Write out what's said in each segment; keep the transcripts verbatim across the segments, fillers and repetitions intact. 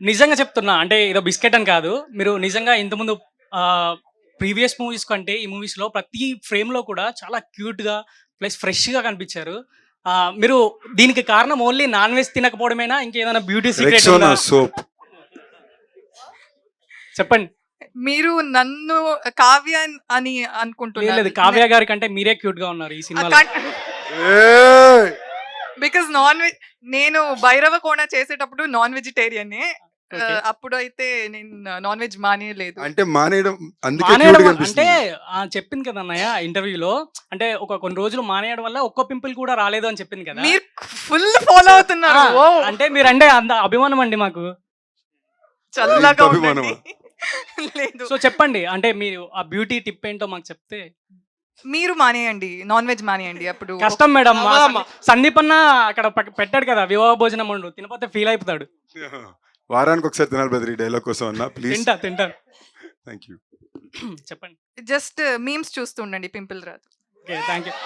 నిజంగా చెప్తున్నా. అంటే ఏదో బిస్కెట్ అని కాదు. మీరు నిజంగా ఇంతకుముందు ఆహ్, ప్రీవియస్ మూవీస్ కంటే ఈ మూవీస్‌లో ప్రతి ఫ్రేమ్‌లో కూడా చాలా క్యూట్‌గా ప్లస్ ఫ్రెష్‌గా కనిపించారు. ఆహ్, మీరు దీనికి కారణం ఓన్లీ నాన్ వెజ్ తినకపోవడమేనా? ఇంకేదైనా బ్యూటీ సీక్రెట్ రెక్సోనా ఉందా? సోప్. చెప్పండి. మీరు నన్ను కావ్య అని లేదు అనుకుంటున్నారు. లేదు. కావ్య గారి కంటే మీరే క్యూట్‌గా ఉన్నారు ఈ సినిమాలో. ఏయ్! బికాజ్ నాన్ వెజ్ నేను భైరవ కోణ చేసేటప్పుడు నాన్ వెజిటేరియనే. ఓకే. అప్పుడు అయితే నేను నాన్ వెజ్ మానేయలేదు. అంటే మానేయడం అందుకే మానేయడం క్యూట్‌గా వల్ల- అంటే అనిపిస్తుంది. ఆ, చెప్పింది కదా అన్నయ్య ఇంటర్వ్యూలో. అంటే ఒక కొన్ని రోజులు మానేయడం వల్ల ఒక్క పింపుల్ కూడా రాలేదు అని చెప్పింది కదా. మీరు ఫుల్ ఫాలో అవుతున్నారు. ఆ, ఓ అంటే మీరంటే అంత అభిమానం అండి మాకు. చల్లగా ఇంత ఉండండి. అభిమానమా? లేదు సో చెప్పండి. అంటే మీరు ఆ బ్యూటీ టిప్ ఏంటో మాకు చెప్తే. మీరు మానేయండి, నాన్ వెజ్ మానేయండి. అప్పుడు కష్టం మేడం. మా అవ్వదమ్మా. సందీ- సందీప్ అన్న అక్కడ పక్క- పెట్టాడు కదా వివాహ భోజనం వండు, తినపోతే ఫీల్ అయిపోతాడు. వారానికి ఒకసారి తినాలి బ్రదర్ ఈ డైలాగ్ కోసం అన్న ప్లీజ్. తింటా తింటా థ్యాంక్ యూ. చెప్పండి. జస్ట్ మీమ్స్ చూస్తూ ఉండండి, పింపుల్ రాదు. Okay, thank you.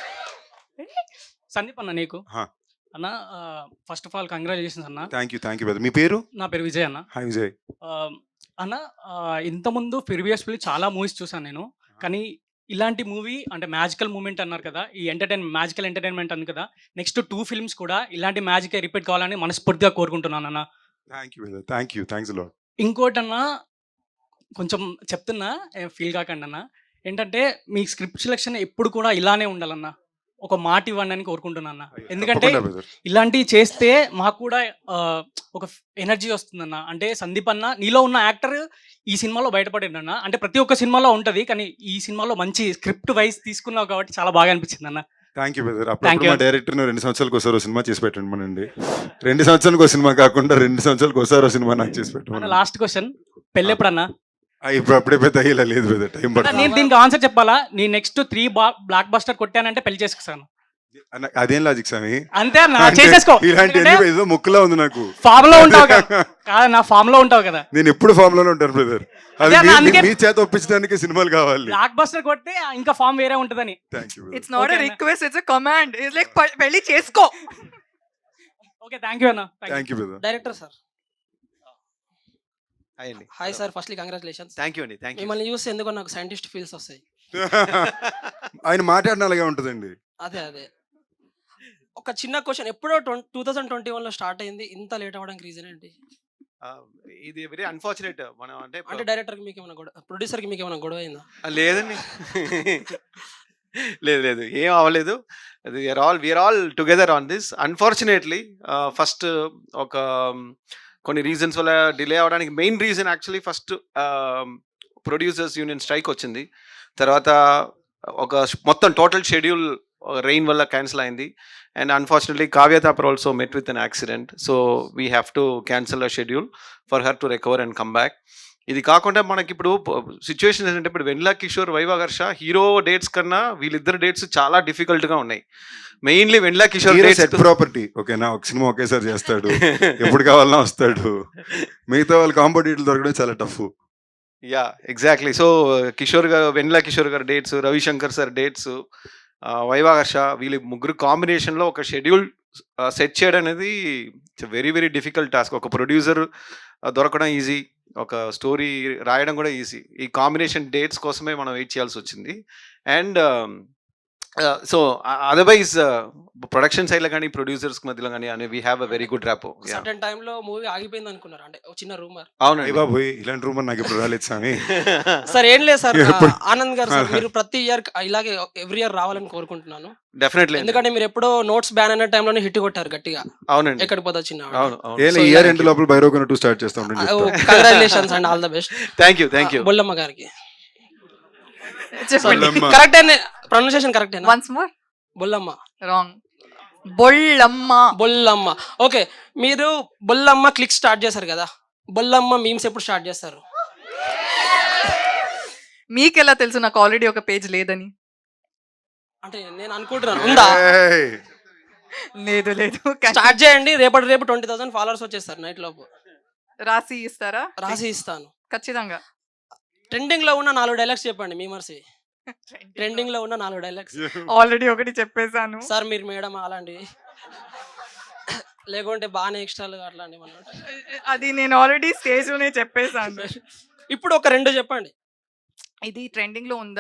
సందీప్ అన్న నీకు హా. అన్న, ఫస్ట్ ఆఫ్ ఆల్ కంగ్రాచులేషన్స్ అన్న. Thank you thank you brother. మీ పేరు? నా పేరు విజయ్ అన్న. హాయ్ విజయ్. ఆ, అన్న, ఆ, ఇంతకుముందు ప్రీవియస్లీ చాలా మూవీస్ చూసాను నేను. కానీ ఇలాంటి మూవీ అంటే మ్యాజికల్ మూమెంట్ అన్నారు కదా, ఈ ఎంటర్టైన్ మ్యాజికల్ ఎంటర్టైన్మెంట్ అన్నారు కదా, నెక్స్ట్ టూ ఫిల్మ్స్ కూడా ఇలాంటి మ్యాజిక్ రిపీట్ కావాలని మనస్ఫూర్తిగా కోరుకుంటున్నాను అన్న. Thank you brother. Thank you. Thanks lot. ఇంకోటన్నా కొంచెం చెప్తున్నా, ఫీల్ కాకండి అన్న. ఏంటంటే మీ స్క్రిప్ట్ సెలెక్షన్ ఎప్పుడు కూడా ఇలానే ఉండాలన్న. ఒక మాట ఇవ్వండి అని కోరుకుంటున్నా అన్న. ఎందుకంటే బ్రదర్. ఇలాంటివి చేస్తే మాకు కూడా ఆ, ఒక ఎనర్జీ వస్తుందన్న. అంటే సందీప్ అన్న నీలో ఉన్న యాక్టర్ ఈ సినిమాలో బయటపడిందన్న. అంటే ప్రతి ఒక్క సినిమాలో ఉంటుంది, కానీ ఈ సినిమాలో మంచి స్క్రిప్ట్ వైజ్ తీసుకున్నావు కాబట్టి చాలా బాగా అనిపించింది అన్న. Thank you brother. Thank అప్పుడు you. మా డైరెక్టర్ రెండు సంవత్సరాలకు ఒకసారి ఓ సినిమా చేసి పెట్టండి మనండి. రెండు సంవత్సరాలకు ఒక సినిమా కాకుండా రెండు సంవత్సరాలకు ఒకసారి ఓ సినిమా నాకు చేసి అన్న పెట్టండి. లాస్ట్ క్వశ్చన్, పెళ్ళి ఎప్పుడన్నా? ఇప్పుడు అప్పుడే పెద్ద అయ్యేలా లేదు బ్రదర్, టైం అన్న, పడుతుంది. నేను దీనికి ఆన్సర్ చెప్పాలా? నీ నెక్స్ట్ త్రీ బ్లాక్ బస్టర్ కొట్టానంటే పెళ్లి చేసుకున్నాను అన్న, అదేం లాజిక్ స్వామి? అంతే అన్న. అంటే చేసేసుకో. ఇలాంటి ఎన్ని ఏదో ముక్కులా ఉంది నాకు. ఫామ్ లో ఉంటావు కదా. కాదన్న, ఫామ్ లో ఉంటావు కదా. నేను ఎప్పుడు ఫామ్ లోనే ఉంటాను బ్రదర్. అది అదే అన్న, మీ- అందుకే- మీ చేత ఒప్పించడానికి సినిమాలు కావాలి. బ్లాక్ బస్టర్ కొడితే ఇంకా ఫామ్ వేరే ఉంటుందని. Thank you. It's not Okay, a అన్న. Request, it's a command. It's like పెళ్లి చేసుకో. ఓకే, థ్యాంక్ యూ అన్న. Thank you. Thank you brother. Director sir. Hi అండి. Hi sir, firstly congratulations. Thank you అండి. Thank you. మిమ్మల్ని చూస్తే ఎందుకో నాకు సైంటిస్ట్ ఫీల్స్ వస్తాయి. ఆయన మాట్లాడిన అలాగే ఉంటుందండి. అదే అదే ఒక చిన్న క్వశ్చన్, ఎప్పుడో టూ థౌసండ్ ట్వంటీ వన్ లో స్టార్ట్ అయింది, ఇంత లేట్ అవ్వడానికి రీజన్ ఏంటి? ఇది వెరీ అన్ఫార్చునేట్. మనం అంటే అంటే డైరెక్టర్ కి మీకు ఏమైనా గొడవ, ప్రొడ్యూసర్ కి మీకు ఏమైనా గొడవ అయిందా? ఆ, లేదండి. లేదు లేదు, ఏం అవ్వలేదు. We're all we're all together on this. Unfortunately first ఒక um, కొన్ని రీజన్స్ వల్ల డిలే అవడానికి main reason actually first producers union strike వచ్చింది. తర్వాత ఒక మొత్తం టోటల్ షెడ్యూల్ రెయిన్ వల్ల క్యాన్సిల్ అయింది. And unfortunately Kavya Thapar also met with an accident. So we have to cancel a schedule for her to recover and come back. ఇది కాకుండా మనకి ఇప్పుడు సిచ్యువేషన్ ఏంటంటే, ఇప్పుడు వెన్నెల కిషోర్, వైవాగర్ష హీరో డేట్స్ కన్నా వీళ్ళిద్దరు డేట్స్ చాలా డిఫికల్ట్గా ఉన్నాయి. Mainly Vennela Kishore set dates property ఓకేనా, ఒక సినిమా ఒకేసారి చేస్తాడు, ఎప్పుడు కావాలన్నా వస్తాడు. మిగతా వాళ్ళ కాంపిటేటివ్ దొరకడం చాలా tough. Yeah exactly. So Kishore గారు, వెన్నెల కిషోర్ గారు dates, Ravishankar sir dates, Vivaharsha, వీళ్ళ ముగ్గురు కాంబినేషన్లో ఒక షెడ్యూల్ సెట్ చేయడం అనేది వెరీ వెరీ డిఫికల్ట్ టాస్క్. ఒక ప్రొడ్యూసర్ దొరకడం ఈజీ, ఒక స్టోరీ రాయడం కూడా ఈజీ. ఈ కాంబినేషన్ డేట్స్ కోసమే మనం వెయిట్ చేయాల్సి వచ్చింది. అండ్ సో అదర్వైజ్ ప్రొడక్షన్ సైడ్లో కానీ ప్రొడ్యూసర్స్ మధ్యలో కానీ అని we have a very good rapport. Certain time లో మూవీ ఆగిపోయింది అనుకున్నారు, అంటే ఒక చిన్న రూమర్. అవునండి బాబు ఇలాంటి రూమ్ నాకు ఇప్పుడు రాలేదు స్వామి. సార్ ఏం లేదు సార్, ఎప్పుడు- ఆనంద్ గారు సార్, మీరు ప్రతి ఇయర్ ఇలాగే ఎవ్రీ ఇయర్ రావాలని కోరుకుంటున్నాను. డెఫినెట్లీ. ఎందుకంటే మీరు ఎప్పుడో నోట్స్ బ్యాన్ అయిన టైంలోనే హిట్ కొట్టారు గట్టిగా. అవునండి. ఎక్కడికి పోతా చిన్న అవును అవును. ఏ ఇయర్ ఎండ్ లోపల బైరోగన్ టూ స్టార్ట్ చేస్తా ఉంటాను. Congratulations and all the best. Thank you thank you. Bollamma గారికి చెప్పండి. బొల్లమ్మ. కరెక్ట్, ప్రొనౌన్సియేషన్ కరెక్టేనా? Once more. Bollamma. Wrong. Bollamma. Bollamma. Okay, మీరు బొల్లమ్మ క్లిక్ స్టార్ట్ చేశారు కదా, బొల్లమ్మ మీమ్స్ ఎప్పుడు స్టార్ట్ చేస్తారు? మీకెలా తెలుసు నాకు ఆల్రెడీ ఒక పేజ్ లేదని? అంటే నేను అనుకుంటున్నాను ఉందా. ఏయ్. లేదు లేదు. స్టార్ట్ చేయండి, రేపటి రేపు ట్వంటీ థౌసండ్ ఫాలోవర్స్ వచ్చేస్తారు నైట్ లోపు. రాసి ఇస్తారా? రాసి ఇస్తాను. ఖచ్చితంగా. ట్రెండింగ్ లో ఉన్న నాలుగు డైలాగ్స్ చెప్పండి మీమర్స్. ట్రెండింగ్ లో ఉన్న నాలుగు డైలాగ్స్. ఆల్రెడీ ఒకటి చెప్పేశాను. సార్ మీరు మేడం అలాంటి లేకుంటే బాగానే ఎక్స్ట్రాలు అట్లాంటివి ఏమన్నా ఉంటాయా? అది నేను ఆల్రెడీ స్టేజ్ లోనే చెప్పేసాను. ఇప్పుడు ఒక రెండు చెప్పండి. ఇది ట్రెండింగ్ లో ఉందా